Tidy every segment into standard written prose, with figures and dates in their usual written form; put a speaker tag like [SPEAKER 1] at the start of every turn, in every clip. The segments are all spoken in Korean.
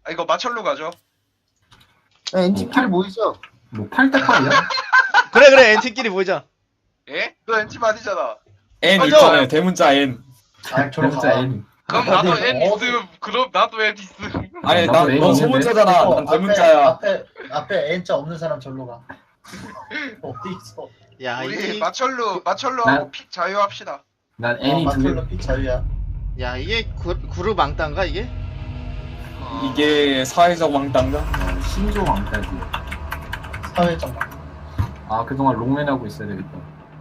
[SPEAKER 1] 이거 마철로 가죠.
[SPEAKER 2] 엔진끼리 모이죠.
[SPEAKER 3] 뭐 8대8이야?
[SPEAKER 4] 그래 엔팀끼리 모이자.
[SPEAKER 1] 예? 너 엔팀 아니잖아.
[SPEAKER 5] N
[SPEAKER 4] 맞아.
[SPEAKER 5] 있잖아요. 대문자 N.
[SPEAKER 2] 아 저로
[SPEAKER 3] 진짜
[SPEAKER 2] 가.
[SPEAKER 3] N.
[SPEAKER 1] 그럼 나도
[SPEAKER 2] 어디,
[SPEAKER 1] N 있음. 그럼 나도 N 있음.
[SPEAKER 5] 아니
[SPEAKER 3] 나도 N
[SPEAKER 5] 넌
[SPEAKER 3] 있는데?
[SPEAKER 5] 소문자잖아. 난 대문자야.
[SPEAKER 2] 앞에 N자 없는 사람 절로 가. 어디 있어?
[SPEAKER 4] 야
[SPEAKER 1] 우리
[SPEAKER 4] 이게
[SPEAKER 1] 마철로
[SPEAKER 3] 난-
[SPEAKER 1] 하고 픽 자유합시다.
[SPEAKER 3] 난 N이 두 개.
[SPEAKER 2] 마틀로 픽 자유야.
[SPEAKER 4] 야 이게 그룹 왕따인가 이게?
[SPEAKER 5] 이게 사회적 왕따인가?
[SPEAKER 3] 신조 왕따지.
[SPEAKER 2] 사회적.
[SPEAKER 3] 아 그동안 롱맨 하고 있어야 되겠다.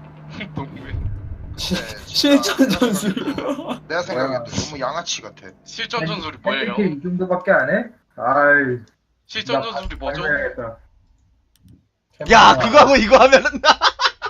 [SPEAKER 5] 실전 전술.
[SPEAKER 1] 내가 생각해도 너무 양아치 같아.
[SPEAKER 6] 실전 전술이 뭐예요?
[SPEAKER 3] 이 정도밖에 안 해? 아이.
[SPEAKER 6] 실전 전술이 뭐죠?
[SPEAKER 4] 야 그거 하고 이거 하면은 나.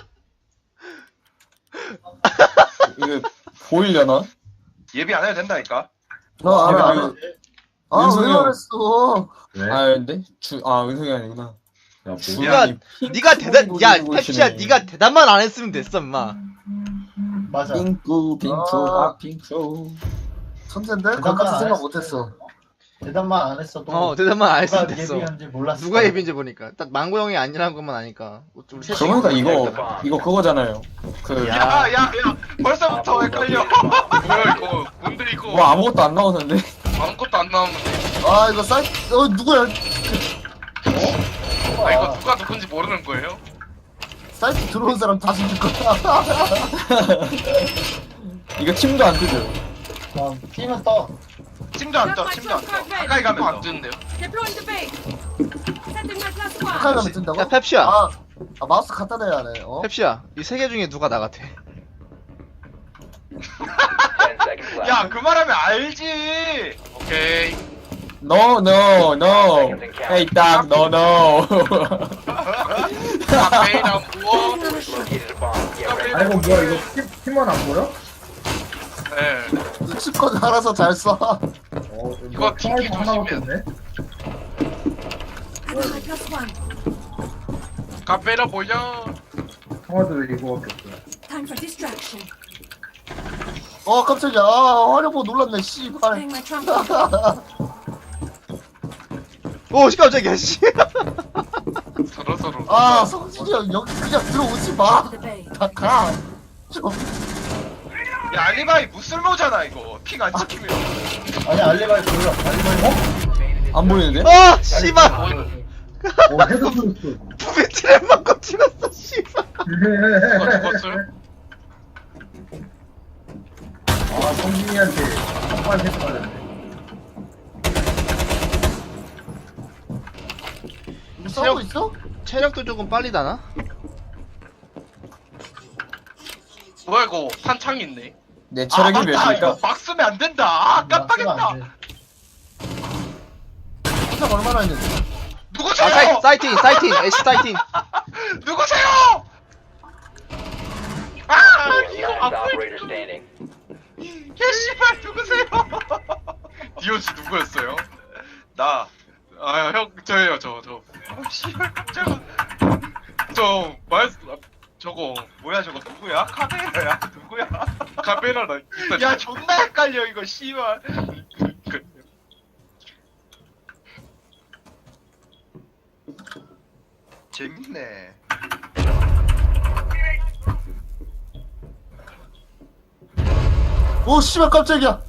[SPEAKER 5] 이거 보이려나?
[SPEAKER 1] 예비 안 해도 된다니까.
[SPEAKER 2] 너
[SPEAKER 5] 내가
[SPEAKER 2] 알아. 아,
[SPEAKER 5] 윤석열.
[SPEAKER 2] 왜 그랬어?
[SPEAKER 3] 왜?
[SPEAKER 5] 아 근데 은석이 아니구나.
[SPEAKER 3] 야, 뭐.
[SPEAKER 5] 주관이
[SPEAKER 4] 네가 대단 야
[SPEAKER 5] 핑크
[SPEAKER 4] 펩시야
[SPEAKER 5] 보이시네.
[SPEAKER 4] 네가 대단만 안 했으면 됐어 임마.
[SPEAKER 2] 맞아.
[SPEAKER 5] 핑크 핑크.
[SPEAKER 2] 천재인데?
[SPEAKER 4] 그
[SPEAKER 2] 그것까지
[SPEAKER 4] 아,
[SPEAKER 2] 생각
[SPEAKER 4] 네.
[SPEAKER 2] 못했어. 대단만 안 했어도.
[SPEAKER 4] 대단만 안 했으면
[SPEAKER 2] 누가
[SPEAKER 4] 됐어.
[SPEAKER 2] 예비한지 몰랐어.
[SPEAKER 4] 누가 예비인지 보니까 딱 망고 형이 아니라는 것만 아니까. 우리 셋이
[SPEAKER 5] 그러니까
[SPEAKER 4] 그러니까.
[SPEAKER 5] 이거 그거잖아요. 그
[SPEAKER 1] 야야야 벌써부터 헷갈려.
[SPEAKER 6] 뭐야 이거? 뭔데 이거?
[SPEAKER 5] 뭐 아무것도 안 나오는데.
[SPEAKER 6] 아무것도 안 나오는데.
[SPEAKER 2] 아 이거 누구야?
[SPEAKER 6] 아 이거 누가 누군지 모르는 거예요?
[SPEAKER 2] 사이트 들어온 사람 다 죽일 거야.
[SPEAKER 5] 이거 팀도 안 뜨죠.
[SPEAKER 2] 팀은 떠.
[SPEAKER 1] 팀도 안 떠. 팀도 안 떠. 가까이 가면
[SPEAKER 6] 안
[SPEAKER 1] 떠.
[SPEAKER 6] 뜨는데요?
[SPEAKER 7] Deploying the base. Setting my plus one.
[SPEAKER 2] 가까이 가면 뜬다고?
[SPEAKER 4] 야 펩시야.
[SPEAKER 2] 마우스 갖다 대야 하네. 어?
[SPEAKER 4] 펩시야. 이 세 개 중에 누가 나 같아?
[SPEAKER 1] 야 그 말하면 알지.
[SPEAKER 6] 오케이.
[SPEAKER 5] No. Hey 딱 no.
[SPEAKER 6] 카페이나 무어.
[SPEAKER 3] 아이고 뭐야 이거 팀원 안 보여?
[SPEAKER 6] 네.
[SPEAKER 2] 눈치껏 알아서 잘 써.
[SPEAKER 6] 이거 튕기
[SPEAKER 3] 하나밖에
[SPEAKER 6] 조심해야
[SPEAKER 3] 없네.
[SPEAKER 7] Setting my plus one.
[SPEAKER 6] 카페이나 뭐야?
[SPEAKER 3] 통화도 이거밖에 없어.
[SPEAKER 7] Time for distraction.
[SPEAKER 2] 깜짝이야. 화려보 놀랐네. 씨발.
[SPEAKER 7] Playing my trumpet.
[SPEAKER 4] 오 깜짝이야 씨.
[SPEAKER 6] 서로.
[SPEAKER 2] 성진이 형 여기 그냥 들어오지 마.
[SPEAKER 7] To the base.
[SPEAKER 2] 다 가. 좀.
[SPEAKER 1] 야 알리바이 무쓸모잖아 이거. 픽 안 찍히면.
[SPEAKER 2] 아니 알리바이 불러. 알리바이.
[SPEAKER 5] 안 보이는데?
[SPEAKER 4] 아 씨발.
[SPEAKER 3] 해도 들었어.
[SPEAKER 4] 부비 트랩만 꽂히었어 씨발.
[SPEAKER 6] 누가 죽었어요?
[SPEAKER 3] 아 성진이한테 한발 해서 맞았네.
[SPEAKER 2] 싸우고 있어?
[SPEAKER 4] 체력도 조금 빨리 다나?
[SPEAKER 6] 뭐야 이거? 한창 있네.
[SPEAKER 5] 내 체력이
[SPEAKER 1] 맞다.
[SPEAKER 5] 몇입니까?
[SPEAKER 1] 이거 막 쓰면 안 된다. 깜빡했다.
[SPEAKER 2] 시작 얼마나 했는데?
[SPEAKER 1] 누구세요?
[SPEAKER 4] 아 사이팅 애쉬 사이팅.
[SPEAKER 1] 누구세요? 이거 안 보여. 야 씨발 누구세요?
[SPEAKER 6] 디오 씨 누구였어요?
[SPEAKER 1] 나.
[SPEAKER 6] 아 형 저예요 저.
[SPEAKER 1] 씨발 깜짝아.
[SPEAKER 6] 저거
[SPEAKER 1] 뭐야 저거 누구야? 카메라야 누구야?
[SPEAKER 6] 카페이나다.
[SPEAKER 1] 야 존나 헷갈려 이거 씨발. 재밌네.
[SPEAKER 2] 오 씨발 깜짝이야.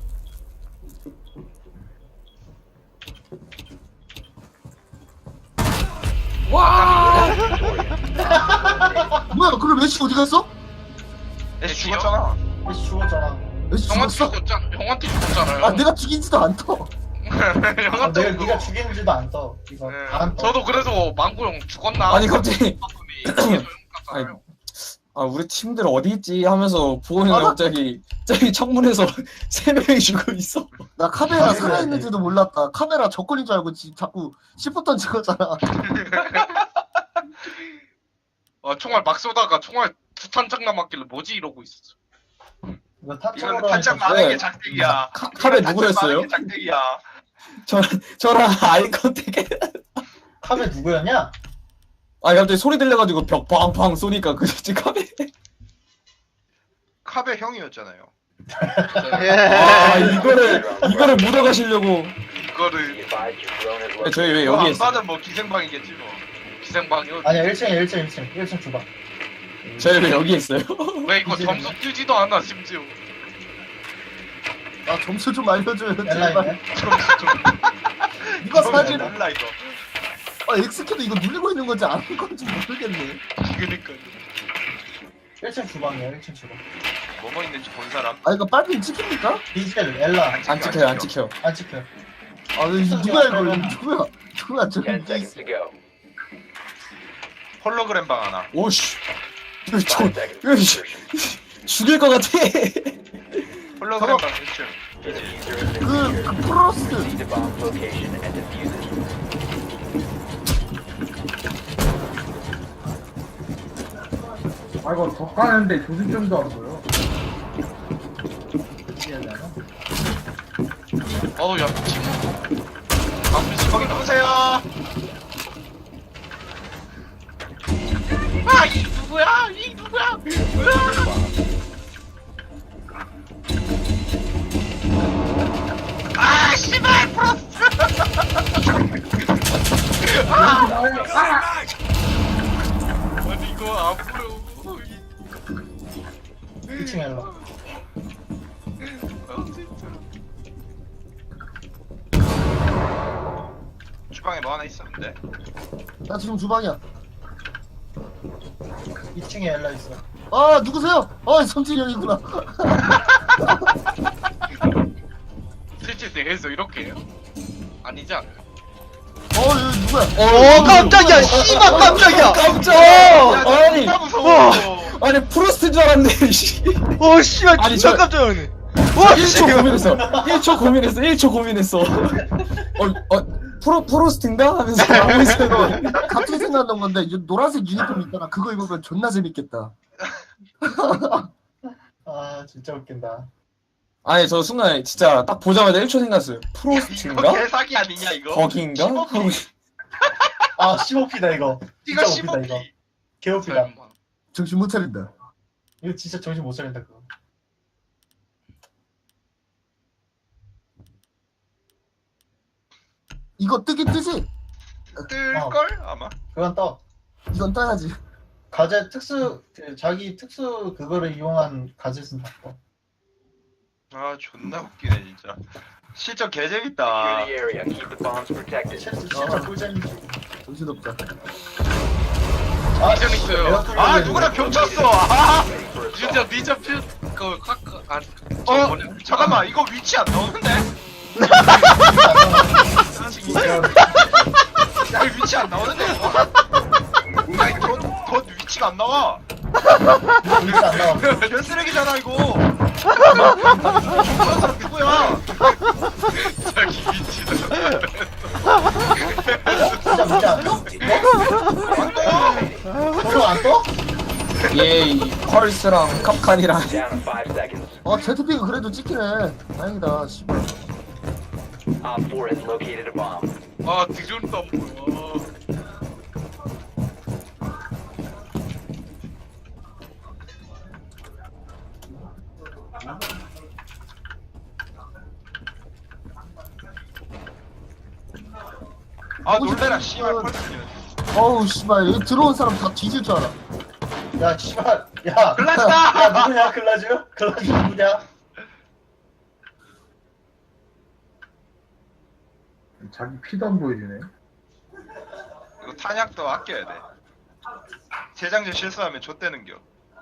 [SPEAKER 2] 뭐야 그럼 애쉬 어디 갔어?
[SPEAKER 1] 애쉬 죽었잖아.
[SPEAKER 2] 애쉬 죽었잖아. 애쉬
[SPEAKER 6] 형한테
[SPEAKER 2] 죽었어?
[SPEAKER 6] 죽었잖아. 형한테 죽었잖아요.
[SPEAKER 2] 아 내가 죽인지도 안 떠.
[SPEAKER 6] 형한테
[SPEAKER 2] 네가 죽인지도 안 떠. 이거 안 떠.
[SPEAKER 6] 저도 그래서 망고 형 죽었나?
[SPEAKER 5] 아니 갑자기
[SPEAKER 6] 봤더니
[SPEAKER 5] 아니, 우리 팀들 어디 있지 하면서 보고 있는데
[SPEAKER 2] 나-
[SPEAKER 5] 갑자기 저기 창문에서 3명이 죽어 있어.
[SPEAKER 2] 나 카메라 살아있는지도 몰랐다. 카메라 적군인 줄 알고 자꾸 C4 던지거잖아.
[SPEAKER 6] 총알 막 쏘다가 총알 두 탄창 남았길래 뭐지 이러고 있었어.
[SPEAKER 1] 이거는 탄창 많은 게 작대기야.
[SPEAKER 5] 카메 누구였어요?
[SPEAKER 1] 탄창 많은 게 작대기야.
[SPEAKER 5] 저랑 아이 컨택.
[SPEAKER 2] 카메 누구였냐?
[SPEAKER 5] 아 갑자기 소리 들려가지고 벽 팡팡 쏘니까 그랬지 카메.
[SPEAKER 1] 카베 형이었잖아요.
[SPEAKER 4] 예.
[SPEAKER 5] 아 이거를 묻어가시려고.
[SPEAKER 6] 그거를
[SPEAKER 5] 저희 왜
[SPEAKER 1] 이거
[SPEAKER 5] 여기
[SPEAKER 1] 안
[SPEAKER 5] 있어요?
[SPEAKER 1] 받으면 뭐 기생방이겠지 뭐.
[SPEAKER 6] 기생방이요.
[SPEAKER 3] 아니야 1층에 1층 주방.
[SPEAKER 5] 저희 왜 여기 있어요?
[SPEAKER 6] 왜 이거 점수 뛰지도 않아 심지어.
[SPEAKER 2] 아 점수 좀 알려줘요
[SPEAKER 3] 엘라
[SPEAKER 2] 제발.
[SPEAKER 3] 있네.
[SPEAKER 6] 점수 좀.
[SPEAKER 2] 이거 사실
[SPEAKER 1] 몰라 이거.
[SPEAKER 2] 엑스키도 이거 누르고 있는 건지 안 건지 모르겠네.
[SPEAKER 6] 그니까.
[SPEAKER 3] 1층 주방이야 1층 주방.
[SPEAKER 1] 뭐뭐 있는지 본 사람.
[SPEAKER 2] 아 이거 빨리 찍힙니까?
[SPEAKER 3] 디지털 엘라
[SPEAKER 5] 안 찍혀요, 안 찍혀.
[SPEAKER 3] 안 찍혀.
[SPEAKER 2] 아 이거 누구야 이거 누구야 저기
[SPEAKER 8] Ten seconds to go.
[SPEAKER 1] 홀로그램 방 하나.
[SPEAKER 5] 오씨. 이거
[SPEAKER 8] Five
[SPEAKER 5] 저,
[SPEAKER 8] seconds
[SPEAKER 5] 이거
[SPEAKER 8] to insertion.
[SPEAKER 5] 죽일 것 같아.
[SPEAKER 1] 홀로그램 방 1층.
[SPEAKER 8] The diffuser has been
[SPEAKER 2] 그
[SPEAKER 8] secured.
[SPEAKER 2] 프로스
[SPEAKER 8] Proceed to bomb location and defuse it.
[SPEAKER 3] 아 이거 더 까는데 조준점도 안 보여.
[SPEAKER 6] 어우 야 미친.
[SPEAKER 1] 거기 누구세요? 아, 이 누구야? 이 누구야? 아, 씨발 플러스.
[SPEAKER 6] 아니 이거 앞으로.
[SPEAKER 3] 1층 엘라.
[SPEAKER 6] 아 진짜.
[SPEAKER 1] 주방에 뭐 하나 있었는데.
[SPEAKER 2] 나 지금 주방이야.
[SPEAKER 3] 2층에 엘라 있어.
[SPEAKER 2] 아 누구세요? 아 성진이 형이구나.
[SPEAKER 6] 실제 대회에서 이렇게 해요? 아니지 않아요?
[SPEAKER 2] 여기 누구야?
[SPEAKER 4] 깜짝이야 씨발 깜짝이야
[SPEAKER 5] 깜짝! 아니,
[SPEAKER 1] 진짜 무서워.
[SPEAKER 5] 아니, 프로스트인 줄 알았네, 씨.
[SPEAKER 4] 씨발
[SPEAKER 5] 아니,
[SPEAKER 4] 진짜
[SPEAKER 5] 저-
[SPEAKER 4] 깜짝 놀랐네
[SPEAKER 5] 1초 고민했어. 1초 고민했어. 프로스트인가? 하면서 하고 있었는데.
[SPEAKER 2] 갑자기 생각난 건데 이 노란색 유니폼 있잖아. 그거 입으면 존나 재밌겠다.
[SPEAKER 3] 아 진짜 웃긴다.
[SPEAKER 5] 아니, 저 순간 진짜 딱 보자마자 1초 생각했어요.
[SPEAKER 1] 이거
[SPEAKER 5] 프로스트인가?
[SPEAKER 1] 개사기 아니냐 이거?
[SPEAKER 5] 거기인가? 하고
[SPEAKER 3] 아 15피다 이거.
[SPEAKER 1] 이거
[SPEAKER 3] 진짜 웃기다,
[SPEAKER 1] 15피.
[SPEAKER 3] 개웃기다.
[SPEAKER 6] 설마.
[SPEAKER 2] 정신 못 차린다.
[SPEAKER 3] 이거 진짜 정신 못 차린다 그거.
[SPEAKER 2] 이거 뜨긴 뜨지?
[SPEAKER 1] 뜰걸 아마.
[SPEAKER 3] 그건 떠.
[SPEAKER 2] 이건 떠야지.
[SPEAKER 3] 가제 특수 자기 특수 그거를 이용한 가젯은 다 떠.
[SPEAKER 1] 아 존나 웃기네 진짜. 실전 개
[SPEAKER 8] Secure
[SPEAKER 1] 재밌다.
[SPEAKER 8] the area. Keep the bombs protected.
[SPEAKER 3] 진짜 꿀잼이지.
[SPEAKER 2] 정신없다.
[SPEAKER 3] 아
[SPEAKER 6] 인정 있어요.
[SPEAKER 3] 에어컨
[SPEAKER 1] 아
[SPEAKER 3] 열리는
[SPEAKER 1] 누구랑
[SPEAKER 3] 거.
[SPEAKER 1] 겹쳤어. 아.
[SPEAKER 8] Ready for assault.
[SPEAKER 6] 진짜 니자 필그 카카 아
[SPEAKER 1] 어 잠깐만 이거 위치 안 나오는데? 야 이거 위치 안 나오는데 이거? 아니 덧 위치가 안 나와.
[SPEAKER 3] 진짜 안 나와.
[SPEAKER 1] 개쓰레기잖아 이거. 저런 사람 누구야?
[SPEAKER 6] 자기 위치다.
[SPEAKER 3] 진짜 문제 안 떠?
[SPEAKER 1] 안 떠.
[SPEAKER 3] 서로 안 떠?
[SPEAKER 5] 얘, 이 펄스랑 캅칸이랑.
[SPEAKER 8] Down to 5 seconds.
[SPEAKER 2] 제트픽은 그래도 찍히네. 다행이다. 씨발.
[SPEAKER 8] Op 4 has located a bomb.
[SPEAKER 6] 아 뒤존도 안 보여.
[SPEAKER 1] 아 놀래라 씨발 펄스.
[SPEAKER 2] 어우 씨발 여기 들어온 사람 다 뒤질 줄 알아.
[SPEAKER 3] 야 씨발 야
[SPEAKER 1] 글라스다!
[SPEAKER 3] 야 누구냐 글라즈? 글라즈 누구냐?
[SPEAKER 9] 자기 피도 안 보여주네.
[SPEAKER 1] 이거 탄약도 아껴야 돼. 재장전 실수하면 좆되는겨.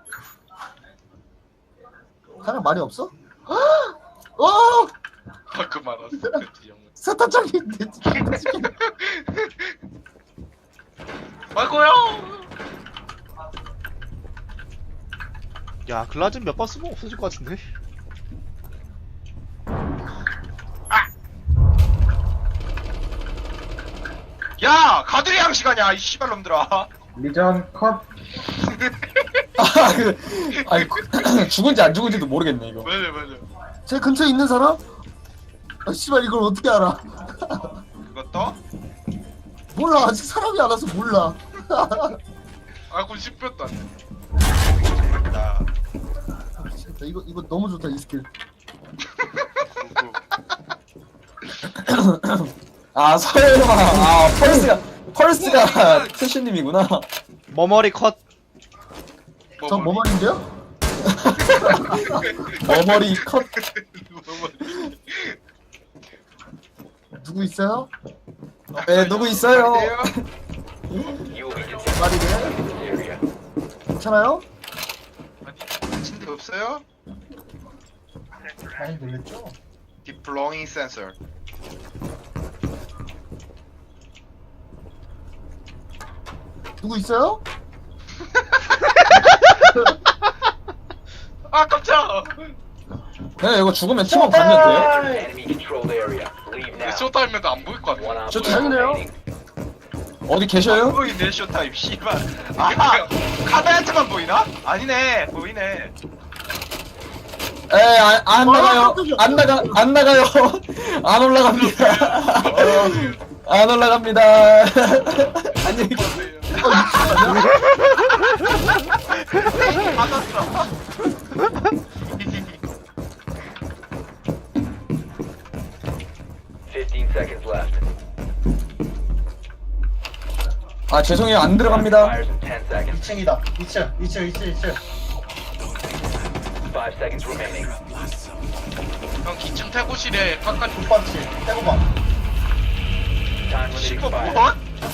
[SPEAKER 2] 사람 많이 없어? 어!
[SPEAKER 6] 그 말았어. 그 뒤형.
[SPEAKER 2] 세탄장인데.
[SPEAKER 6] 아이고요.
[SPEAKER 4] 야 글라즈 몇 번 쓰면 없어질 것 같은데
[SPEAKER 1] 야 가두리 양시가냐 이 씨발놈들아.
[SPEAKER 9] 리전 컷.
[SPEAKER 5] 아니, 죽은지 안 죽은지도 모르겠네, 이거.
[SPEAKER 6] 맞아.
[SPEAKER 2] 제 근처에 있는 사람? 아 씨발 이걸 어떻게 알아?
[SPEAKER 1] 이거 떠?
[SPEAKER 2] 몰라 아직 사람이 안 와서 몰라.
[SPEAKER 6] 아이고 10분도 안 돼.
[SPEAKER 1] 나
[SPEAKER 2] 진짜 이거 너무 좋다 이 스킬.
[SPEAKER 6] 누구?
[SPEAKER 5] 아 설마 아 펄스가 최신님이구나.
[SPEAKER 4] 머머리 컷.
[SPEAKER 2] 저 머머리인데요?
[SPEAKER 5] 머머리 컷.
[SPEAKER 2] 누구 있어요?
[SPEAKER 5] 네 누구 있어요?
[SPEAKER 8] You will be detected
[SPEAKER 2] 말이네.
[SPEAKER 8] in this area.
[SPEAKER 2] 괜찮아요?
[SPEAKER 1] 침대 없어요?
[SPEAKER 3] 많이 놀랬죠?
[SPEAKER 1] Deep belonging sensor.
[SPEAKER 2] 누구 있어요?
[SPEAKER 6] 아 깜짝.
[SPEAKER 5] 네 이거 죽으면 팀원 가면 돼요?
[SPEAKER 8] Enemy controlled area. Leave now.
[SPEAKER 6] 쇼타임에도 안 보일 것 같아.
[SPEAKER 8] One
[SPEAKER 5] 저
[SPEAKER 8] op
[SPEAKER 2] 다행이네요.
[SPEAKER 8] remaining.
[SPEAKER 5] 어디 계셔요?
[SPEAKER 1] 보이네 쇼타임 씨발. 아 카메라한테만 보이나? 아니네 보이네.
[SPEAKER 5] 안 나가요. 안 나가요. 안 올라갑니다. 안 올라갑니다. 안녕히 계세요.
[SPEAKER 1] 맞았어.
[SPEAKER 8] 15 seconds left.
[SPEAKER 5] 아 죄송해요 안 들어갑니다.
[SPEAKER 8] Fires in 10 seconds.
[SPEAKER 3] 2층이다. 2층.
[SPEAKER 8] 5 seconds remaining.
[SPEAKER 6] 형 기층 태고실에 바깥
[SPEAKER 3] 족밥치. 떼고봐.
[SPEAKER 8] Time limiting
[SPEAKER 6] 시커
[SPEAKER 8] fire.
[SPEAKER 6] 뭐?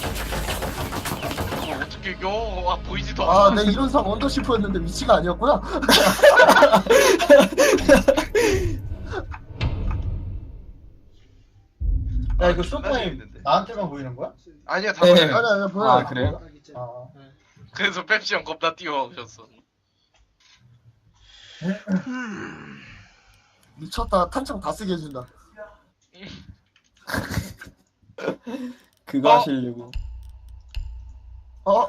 [SPEAKER 6] 그걸 어떻게 이겨? 아 보이지도
[SPEAKER 2] 아,
[SPEAKER 6] 않아.
[SPEAKER 2] 내 이론상 언더시프였는데 위치가 아니었구나.
[SPEAKER 3] 야 이거
[SPEAKER 1] 존나
[SPEAKER 3] 쇼타임
[SPEAKER 1] 재밌는데.
[SPEAKER 3] 나한테만 보이는 거야?
[SPEAKER 1] 아니야 다
[SPEAKER 5] 네.
[SPEAKER 1] 보여요.
[SPEAKER 2] 아니야, 보여.
[SPEAKER 5] 아 그래요?
[SPEAKER 3] 아.
[SPEAKER 6] 그래서 펩시 형 겁나 뛰어오셨어.
[SPEAKER 2] 미쳤다. 탄창 다 쓰게 해준다.
[SPEAKER 5] 그거 하시려고.
[SPEAKER 2] 어?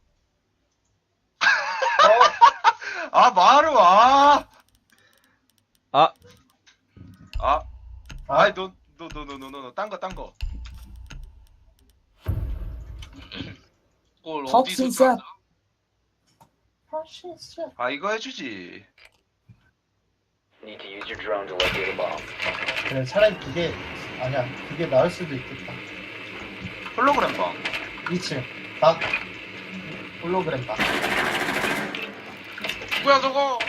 [SPEAKER 1] 아 마루 아.
[SPEAKER 4] 아.
[SPEAKER 1] 아. 아이 너 딴거
[SPEAKER 6] 그걸
[SPEAKER 5] 턱신
[SPEAKER 6] 어디서
[SPEAKER 5] 셋.
[SPEAKER 6] 찾아?
[SPEAKER 1] 아 이거 해주지.
[SPEAKER 8] Need to use your drone to locate a bomb.
[SPEAKER 3] 그래 차라리 그게 아니야. 그게 나을 수도 있겠다.
[SPEAKER 1] 홀로그램 방.
[SPEAKER 3] 2층. 딱 홀로그램 딱.
[SPEAKER 6] 누구야 저거?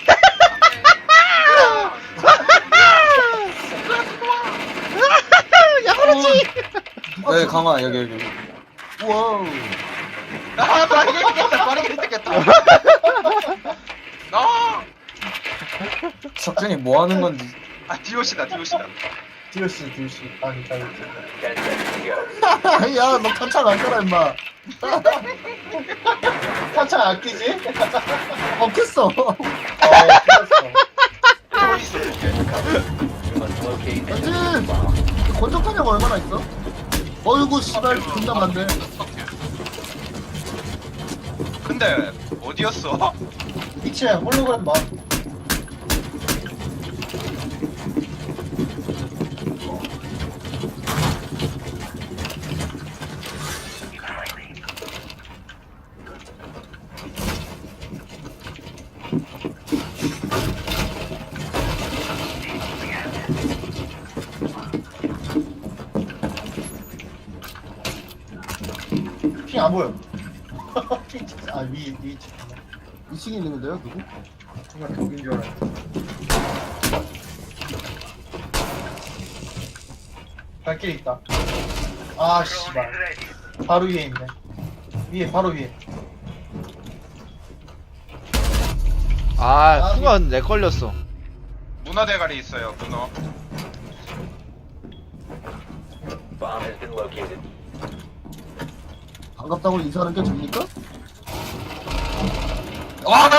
[SPEAKER 5] 네 강화 여기.
[SPEAKER 2] 우와.
[SPEAKER 1] 아 빠르게 했겠다.
[SPEAKER 6] 나.
[SPEAKER 5] 석준이 뭐 하는 건지.
[SPEAKER 1] 아 디오시다.
[SPEAKER 3] DOC. 아 이따
[SPEAKER 8] 10 seconds to go.
[SPEAKER 2] 야, 너 탄창 안 써라, 임마.
[SPEAKER 3] 탄창 아끼지?
[SPEAKER 2] 없겠어.
[SPEAKER 3] 틀렸어.
[SPEAKER 8] You must locate and
[SPEAKER 2] 왠지
[SPEAKER 8] defuse the bomb.
[SPEAKER 2] 권총탄약 얼마나 있어? 어이구, 씨발, 존나 많네.
[SPEAKER 1] 근데 어디였어?
[SPEAKER 3] 2층 홀로그램 봐. 핑 안 보여. 핑 진짜 위
[SPEAKER 2] 2층에 있는 건데요, 누구?
[SPEAKER 9] 정말 적인 줄 알았어.
[SPEAKER 3] 발길 있다. 아 씨발. 바로 위에 있네. 바로 위에.
[SPEAKER 4] 아 순간 내 걸렸어.
[SPEAKER 1] 문어 대가리 있어요. 문어.
[SPEAKER 8] Bomb has been located.
[SPEAKER 2] 반갑다고 인사하는 게 됩니까?
[SPEAKER 5] 와!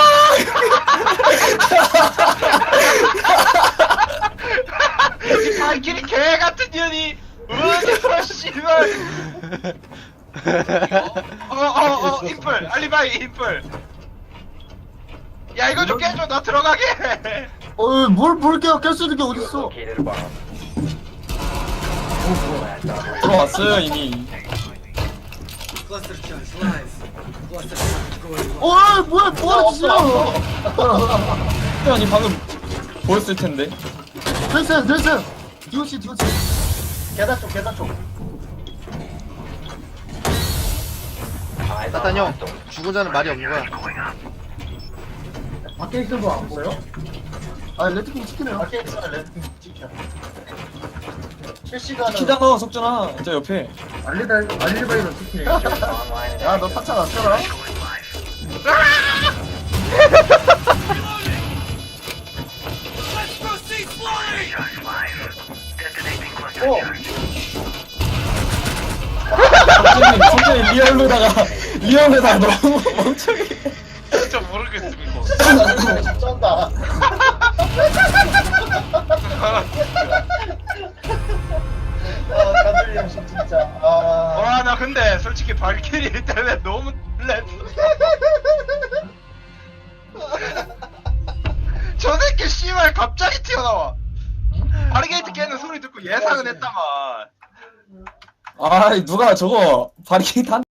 [SPEAKER 1] 발길이 개 같은 년이 어디서 씨발. 인플 알리바이 인플. 야 이거 좀 깨줘 나 들어가게.
[SPEAKER 2] 뭘 깰 수 있는 게 어딨어?
[SPEAKER 8] Located a bomb. Last operator.
[SPEAKER 5] 들어왔어요 이미.
[SPEAKER 2] 뭐하는 짓이야?
[SPEAKER 5] 아니 방금 보였을 텐데.
[SPEAKER 2] 됐어요. DOC.
[SPEAKER 3] 계단 쪽 계단 쪽.
[SPEAKER 8] Eyes on
[SPEAKER 4] 나탄 형
[SPEAKER 8] hostiles.
[SPEAKER 4] 죽은 자는 말이 없는 거야.
[SPEAKER 9] 밖에 있는 거 안 보여?
[SPEAKER 2] 아 레드킹 치킨해요.
[SPEAKER 3] 밖에 있어 레드팀 찍혀. 실시간으로.
[SPEAKER 5] 키잖아 석준아 저 옆에.
[SPEAKER 9] 알리바이로 치킨해.
[SPEAKER 8] Online and
[SPEAKER 2] 야너 타차 났잖아.
[SPEAKER 5] 석준이 리얼로다가 너무 멍청해.
[SPEAKER 6] 진짜 모르겠음 이거.
[SPEAKER 3] 쩐다. 아 가들 형식 진짜. 아.
[SPEAKER 1] 와 나 근데 솔직히 발키리 때문에 너무 놀랬어. 저 새끼 씨발 갑자기 튀어나와. 바리게이트 깨는 소리 듣고 예상은 했다만.
[SPEAKER 5] 아 누가 저거 바리케이트 한